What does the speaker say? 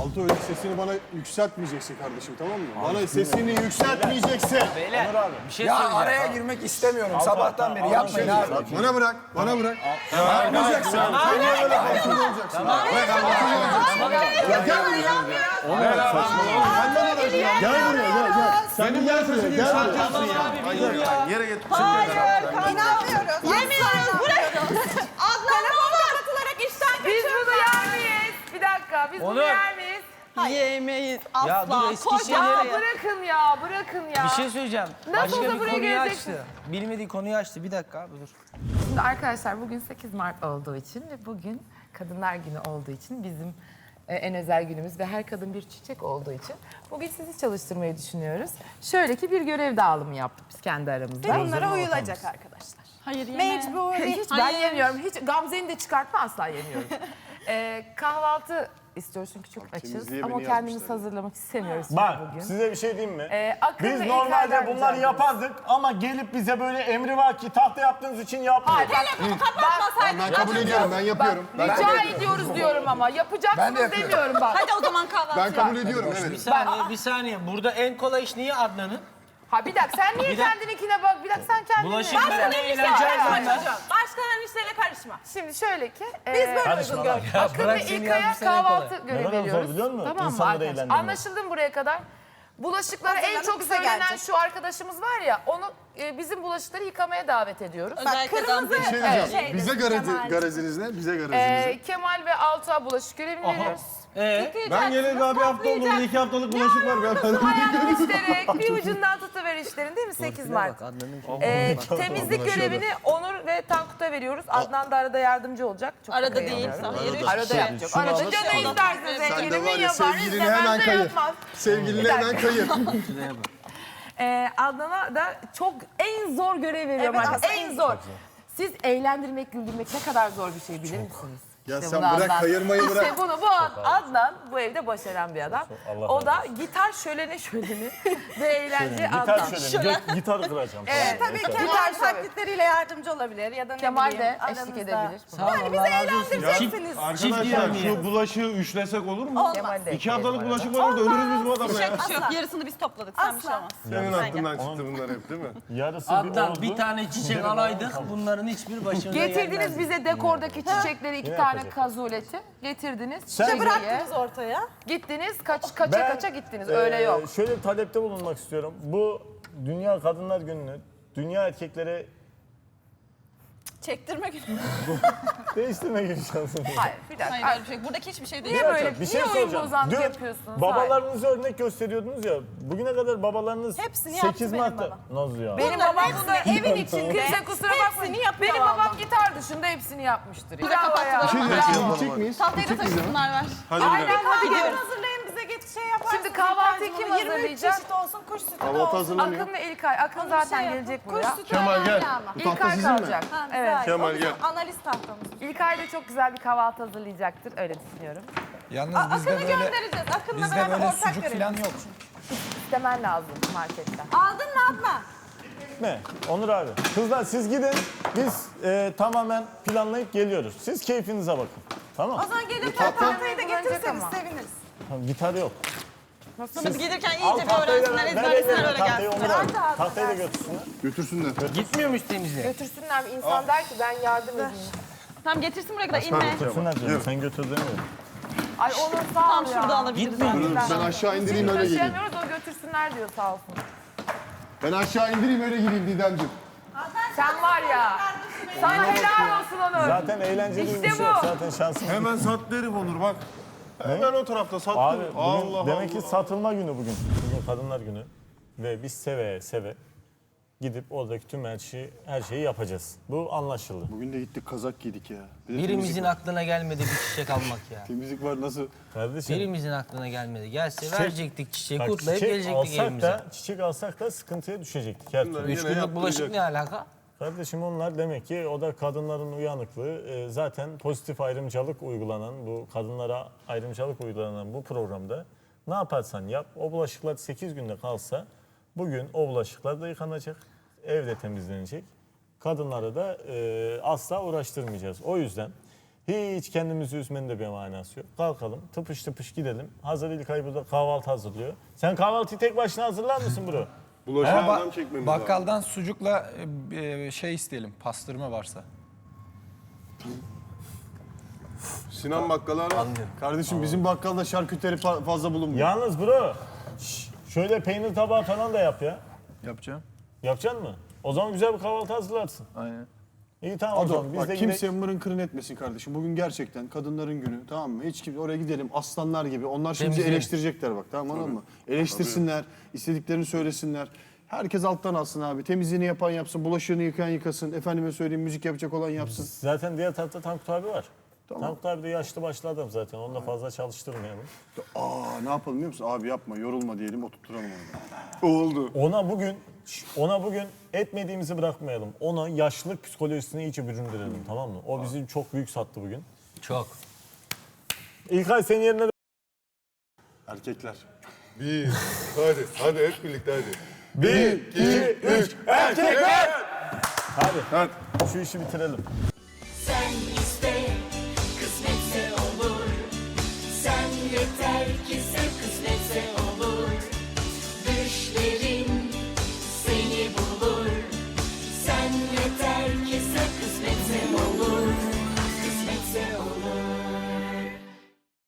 Alto öyle sesini bana yükseltmeyeceksin kardeşim, tamam mı? Bana sesini yükseltmeyeceksin. Beyler bir şey Ya söyleyeceğim. araya girmek istemiyorum sabahtan beri. Yapmayın abi. Bana bırak, bana bırak. Yapmayacaksın. Sen niye böyle haksız olacaksın? Bırak haksız olacaksın. Ya gel buraya. Sen bana bırak ya. Gel buraya, gel. Sen bir gel buraya, gel buraya. Yere git. Hayır, inanmıyoruz. Yemiyoruz, bırakın. Telefon kapatılarak işten Biz bunu yer miyiz? Bir dakika, biz bunu Onur. yer miyiz? yemeyiz. Asla. Ya dur, Eskişehir'e- Ya bırakın ya, bırakın ya. Bir şey söyleyeceğim. Nasıl Başka olsa bir buraya konuyu geleceksin. açtı. Bilmediği konuyu açtı. Bir dakika abi dur. Şimdi arkadaşlar bugün 8 Mart olduğu için ve bugün Kadınlar Günü olduğu için bizim en özel günümüz ve her kadın bir çiçek olduğu için bugün sizi çalıştırmayı düşünüyoruz. Şöyle ki bir görev dağılımı yaptık biz kendi aramızda. Bunlara uyulacak arkadaşlar. Hayır Mecburi. Hiç ben yemiyorum. Hiç Gamze'ni de çıkartma, asla yemiyorum. Kahvaltı istiyoruz çünkü çok açız temizliğe ama beni kendimiz yazmışlar. hazırlamak istemiyoruz Bak bugün. size bir şey diyeyim mi? Akın Biz ve normalde İlker'den bunları rica yapardık ama gelip bize böyle emrivaki tahta yaptığınız için yapmıyoruz. Hayır, bak, Ben kabul ediyorum, ben yapıyorum. rica ediyoruz diyorum ama Ben de yapacaksınız yapıyorum. demiyorum bak. Hadi o zaman kahvaltı. Ben kabul ediyorum, Bir evet. saniye, bir saniye. Burada en kolay iş niye Adnan'ın? Ha bir dakika sen niye kendininkine bak? Bir dakika sen kendine. Bulaşık bak. ben de eğleneceğim zaten. Başkalarının işlerine karışma. Şimdi şöyle ki. Biz böyle Karışma uygun lan. gördük. Ya Akın bırak ve seni İlkay'a ya, bir sene kahvaltı kolay. görevi Neden zor veriyoruz. biliyor musun? Tamam mı İnsanları arkadaşlar? eğlendirmek. Anlaşıldı mı buraya kadar? Bulaşıkları en Hazırlanıp çok bize söylenen gelecek. şu arkadaşımız var ya, onu bizim bulaşıkları yıkamaya davet ediyoruz. Özellikle Gamze. Bir şey diyeceğim. Evet. Bize gareziniz ne? Bize gareziniz ne? Kemal ve Altuğ'a bulaşık görevini veriyoruz. Ben geleli daha bir hafta oldu. 2 haftalık bulaşık var. Ayağını işlerek bir ucundan tutuver işlerin, değil mi 8 Mart? Bak Adnan'ın Temizlik görevini Onur ve Tankut'a veriyoruz. Adnan da arada yardımcı olacak. Çok Arada da değil. kıyamıyorum. Hayır. Arada yapacak. Arada canı isterse Sen de zenginimi var ya, yapar, sevgilini istemez hemen de kayır. yapmaz. Sevgiline hemen kayır. Adnan'a da çok en zor görev veriyorum Evet, arkadaşlar. aslında En zor. Siz eğlendirmek, güldürmek ne kadar zor bir şey bilir misiniz? Ya İşte sen bunu bırak, kayırmayı bırak. İşte bunu Adnan bu evde başaran bir adam. Allah O da razı gitar şöleni ve eğlence Gitar Adnan. şöyle, gitarı kıracağım. Evet, Tabii Gitar Kemal şöyle. taklitleriyle yardımcı olabilir ya da ne Kemal bileyim, de aranızda. eşlik edebilir. Sağ ol, Allah razı olsun. Çift Arkadaşlar şu bulaşığı üçlesek olur mu? Kemal de 2 haftalık bulaşık var orada, ölürüz biz bu adamla ya. Yok, yarısını biz topladık. Sen bir şey olmaz. Senin aklından çıktı bunlar hep, değil mi? Yarısı bir Adnan oldu. bir tane çiçek alaydık. Bunların hiçbir başımıza Getirdiniz gelmezdi. bize dekordaki çiçekleri, 2 Yine tane yapacak. kazuleti. Getirdiniz. Sen- Çiçeği. Bıraktınız ortaya. Gittiniz, kaça gittiniz. Öyle yok. Şöyle bir talepte bulunmak istiyorum. Bu Dünya Kadınlar Günü'nü dünya erkeklere Çektirme günü. değiştirme gibi şansım var. Hayır, bir dakika. Hayır öyle bir şey. Buradaki hiçbir şey değil. Niye böyle, Bir şey niye oyun soracağım. bozantı Dün yapıyorsunuz? babalarınızı örnek gösteriyordunuz ya. Bugüne kadar babalarınız Hepsini yaptı 8 benim Mart'ta... babam. Nasıl ya? Benim Bunların babam hepsini bunu evin içinde. Kimse kusura bakmayın. Hepsini yapıyor Benim babam vallahi. gitar dışında hepsini yapmıştır. Bravo ya. Bir şey diyeceğim, gidecek miyiz? Tahtayı da taşısınlar ver. Aynen hadi gidiyoruz. Hazırlayın bize şey yaparsınız. Şimdi kahvaltıyı kim 23 hazırlayacak? çeşit olsun, kuş sütü de Kahvaltı olsun. hazırlanıyor. Akın ve İlkay. Akın zaten gelecek Kuş buraya. sütü Kemal gel. önemli ama. Bu tahta İlkay sizin mi? kalacak. Ha, Evet. güzel. Kemal O bizim gel. Analiz tahtamız. İlkay da çok güzel bir kahvaltı hazırlayacaktır. Öyle düşünüyorum. Yalnız Akın'ı göndereceğiz. Akın'la bizde beraber böyle ortak sucuk görelim. falan yok. İstemen lazım marketten. Aldın mı Adnan? Ne? Onur abi. Kızlar siz gidin. Biz tamamen planlayıp geliyoruz. Siz keyfinize bakın. Tamam. O zaman gelirken tahtayı da getirseniz ama. seviniriz. Tamam, gitar yok. Biz gelirken Al iyice bir tahtayı da öğrensinler, ver ezberlesinler öyle tahtayı Onur gelsinler. abi. Tahtayı da götürsünler. Götürsünler. Gitmiyor muyuz temizliğe? Götürsünler. İnsan der ki ben yardım edeyim. Tamam getirsin buraya kadar inme. Götürsünler canım. Sen götür demiyorum. Ay Onur sağ ol Tam ya. şurada alabiliriz. Gitmiyor. Ben aşağı indireyim öyle geleyim. Taşıyamıyoruz, o götürsünler diyor sağ olsun. Ben aşağı indireyim öyle geleyim Didemciğim. Sen var ya. Sana helal olsun Onur. Zaten eğlenceli İşte bir şey yok. bu. Zaten şansım. Hemen sattı herif Onur bak. Hemen o tarafta sattı. Abi bugün Allah demek Allah. ki satılma günü bugün. Bugün Kadınlar Günü. Ve biz seve seve gidip oradaki tüm her şeyi yapacağız. Bu anlaşıldı. Bugün de gittik kazak giydik ya. Bir de Birimizin aklına gelmedi bir çiçek almak ya. temizlik var nasıl? Kardeşim. Birimizin aklına gelmedi. Gelse Çiçek- verecektik çiçeği, bak, kutlayıp çiçek gelecektik alsak evimize. da, çiçek alsak da sıkıntıya düşecektik her türlü. 3 günlük bulaşık ne alaka? Kardeşim onlar demek ki o da kadınların uyanıklığı. Zaten pozitif ayrımcılık uygulanan, bu kadınlara ayrımcılık uygulanan bu programda ne yaparsan yap, o bulaşıklar 8 günde kalsa bugün o bulaşıklar da yıkanacak, evde temizlenecek. Kadınları da asla uğraştırmayacağız. O yüzden Hiç kendimizi üzmenin de bir manası yok. Kalkalım, tıpış tıpış gidelim. Hazır İlkay burada kahvaltı hazırlıyor. Sen kahvaltıyı tek başına hazırlar mısın bro? Bulaşığı adam çekmemiz lazım. Bakkaldan sucukla şey isteyelim, pastırma varsa. Sinan bakkala ara. Kardeşim bizim bakkalda şarküteri fazla bulunmuyor. Yalnız bro, şöyle peynir tabağı falan da yap ya. Yapacağım. Yapacaksın mı? O zaman güzel bir kahvaltı hazırlarsın. Aynen. İyi tamam o Ado, zaman biz bak de kimse gidelim. mırın kırın etmesin kardeşim. Bugün gerçekten kadınların günü, tamam mı? Hiç kimse oraya gidelim aslanlar gibi. Onlar şimdi bizi Temizleyelim. eleştirecekler bak, tamam anladın mı? Eleştirsinler, istediklerini söylesinler. Herkes alttan alsın abi. Temizliğini yapan yapsın, bulaşığını yıkayan yıkasın. Efendime söyleyeyim müzik yapacak olan yapsın. Zaten diğer tarafta Tankut abi var. Tamam. Tankut abi de yaşlı başlı adam zaten. Onu da fazla çalıştırmayalım. Ne yapalım biliyor musun? Abi yapma, yorulma diyelim, oturtturalım onu. Oldu. Ona bugün etmediğimizi bırakmayalım. Ona yaşlılık psikolojisini iyice büründürelim, tamam mı? O bizi çok büyük sattı bugün. Çok. İlkay senin yerine de... Erkekler. Hadi hep birlikte hadi. 1, 2, 3, erkekler! Hadi. Şu işi bitirelim. Sen iste, kısmetse olur. Sen yeter ki sen kısmetse olur.